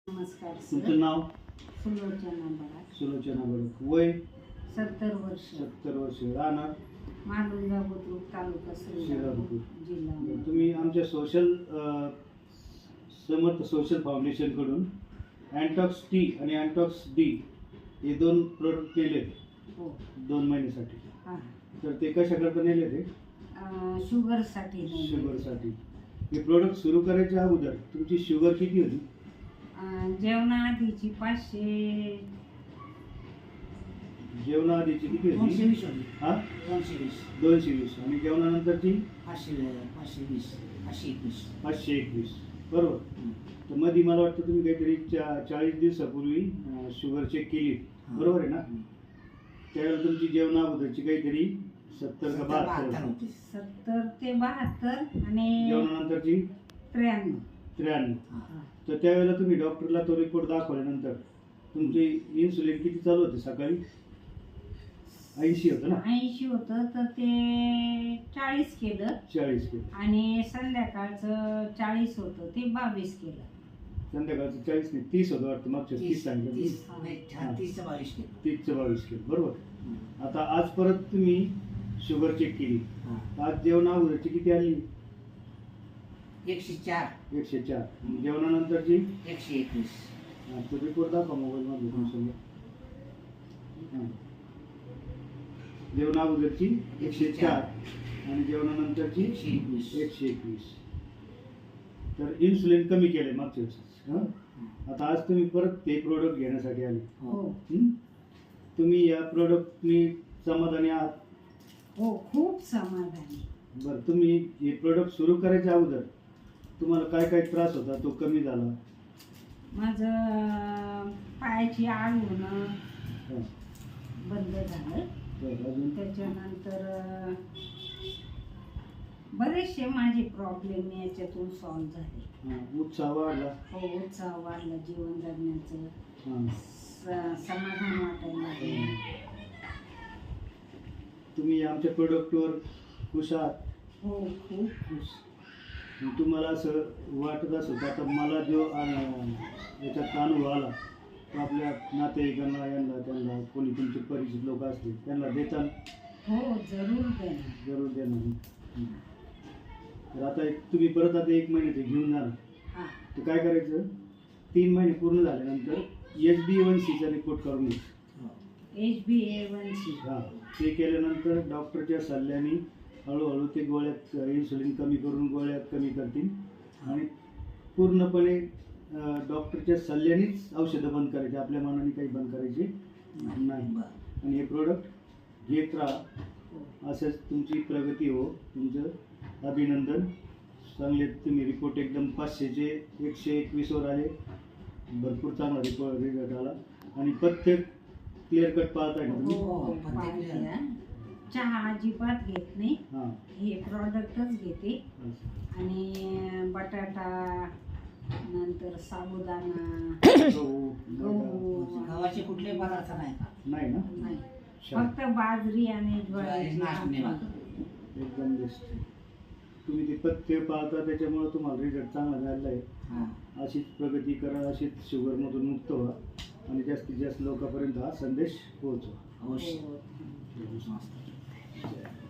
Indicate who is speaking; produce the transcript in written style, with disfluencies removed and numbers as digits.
Speaker 1: नमस्कार सर.
Speaker 2: तुमचं नाव?
Speaker 1: सुलोचना बराड.
Speaker 2: सुलोचना बराड. वय?
Speaker 1: 70 वर्ष.
Speaker 2: 70 वर्ष. राहणार?
Speaker 1: मालुंगा बुद्रुक, तालुका श्रीरामपूर, जिल्हा.
Speaker 2: तुम्ही आमच्या समर्थ सोशल फाउंडेशन कडून अँटॉक्स टी आणि अँटॉक्स डी हे 2 प्रोडक्ट केले
Speaker 1: हो
Speaker 2: 2 महिन्यासाठी.
Speaker 1: हां.
Speaker 2: तर ते कशाकरता नेले ते?
Speaker 1: शुगरसाठी.
Speaker 2: शुगरसाठी. हे प्रोडक्ट सुरू करायच्या अगोदर तुमची शुगर किती होती?
Speaker 1: जेवणाआधीची 500.
Speaker 2: जेवणाआधीची किती होती?
Speaker 3: 220 होती.
Speaker 2: हा
Speaker 3: 220.
Speaker 2: 220. आणि जेवणानंतरची
Speaker 3: 520 521.
Speaker 2: 521. बरोबर. तर मध्ये मला वाटतं तुम्ही काहीतरी 40 दिवसापूर्वी शुगर चेक केली, बरोबर आहे ना? त्यावेळेला तुमची जेवणा अगोदरची काहीतरी 70 का 72
Speaker 3: होती.
Speaker 1: 70 ते 72 आणि
Speaker 2: जेवणानंतरची
Speaker 1: 93.
Speaker 2: 93. तर त्यावेळेला तुम्ही डॉक्टरला तो रिपोर्ट दाखवल्यानंतर तुमची इन्सुलिन किती चालू होते? सकाळी 80 होतं ना?
Speaker 1: 80 होतं तर ते 40 केलं
Speaker 2: 40 केलं.
Speaker 1: आणि संध्याकाळचं 40 होतं ते 22 केलं.
Speaker 2: संध्याकाळचं 40 नाही 30 होतं वाटतं. मागच्या 30 सांगितलं.
Speaker 3: 30 चं 22 केलं.
Speaker 2: 30चं 22 केलं. बरोबर. आता आज परत तुम्ही शुगर चेक केली. आज जेवणा अगोदरची किती आली?
Speaker 3: 104.
Speaker 2: 104. जेवणानंतरची
Speaker 3: 121.
Speaker 2: तो रिपोर्ट दाखवा मोबाईल मध्ये तुमच्यासमोर. जेवणा अगोदरची 104 आणि जेवणानंतरची 121. तर इन्सुलिन कमी केलंय मागच्या वेळेस. आता आज तुम्ही परत ते प्रोडक्ट घेण्यासाठी आले.
Speaker 1: हो
Speaker 2: तुम्ही या प्रोडक्टनी समाधानी आहात?
Speaker 1: हो खूप समाधानी.
Speaker 2: बरं. तुम्ही हे प्रोडक्ट सुरू करायच्या अगोदर तुम्हाला काय काय त्रास होता तो कमी झाला?
Speaker 1: माझं पायाची आग होणं बंद झालं.
Speaker 2: अजून?
Speaker 1: त्याच्यानंतर बरेचसे माझे प्रॉब्लेम याच्यातून सॉल्व्ह झाले.
Speaker 2: उत्साह वाढला?
Speaker 1: हो उत्साह वाढला. जीवन जगण्याचं समाधान वाटायला लागलं.
Speaker 2: तुम्ही आमच्या प्रोडक्टवर खुश आहात?
Speaker 1: हो खूप खुश.
Speaker 2: तुम्हाला असं वाटत असं आता मला जो याच्यात अनुभव आला तो आपल्या नातेवाईकांना त्यांना कोणी तुमचे परिचित लोक असतील त्यांना देताल?
Speaker 1: हो जरूर देणार.
Speaker 2: जरूर देणार. तर आता तुम्ही परत आता 1 महिन्याचे घेऊन जाणार. तर काय करायचं? 3 महिने पूर्ण झाल्यानंतर HbA1c चा रिपोर्ट करून घ्यायचा.
Speaker 1: HbA1c.
Speaker 2: ते केल्यानंतर डॉक्टरच्या सल्ल्याने हळूहळू ते गोळ्यात इन्सुलिन कमी करून गोळ्या कमी करतील आणि पूर्णपणे डॉक्टरच्या सल्ल्यानेच औषधं बंद करायची. आपल्या मनाने काही बंद करायची नाही. आणि हे प्रोडक्ट घेत राहा. असंच तुमची प्रगती हो. तुमचं अभिनंदन. चांगले तुम्ही रिपोर्ट एकदम 500चे 121 वर आले. भरपूर चांगला रिपोर्ट आला आणि प्रत्येक क्लिअर कट पाहताय ना तुम्ही?
Speaker 1: चहा अजिबात घेत नाही. हे प्रॉडक्टच घेते. आणि बटाटा नंतर साबुदाणा गहू
Speaker 3: गव्हाचे कुठले पदार्थ
Speaker 2: नाही ना?
Speaker 1: नाही. फक्त बाजरी आणि ज्वारी.
Speaker 2: एकदम बेस्ट. तुम्ही ते पथ्य पाळता त्याच्यामुळे तुम्हाला रिझल्ट चांगला झालेला आहे. अशीच प्रगती करा. अशीच शुगरमधून मुक्त व्हा आणि जास्तीत जास्त लोकांपर्यंत हा संदेश पोहोचवा.
Speaker 3: अवश्य.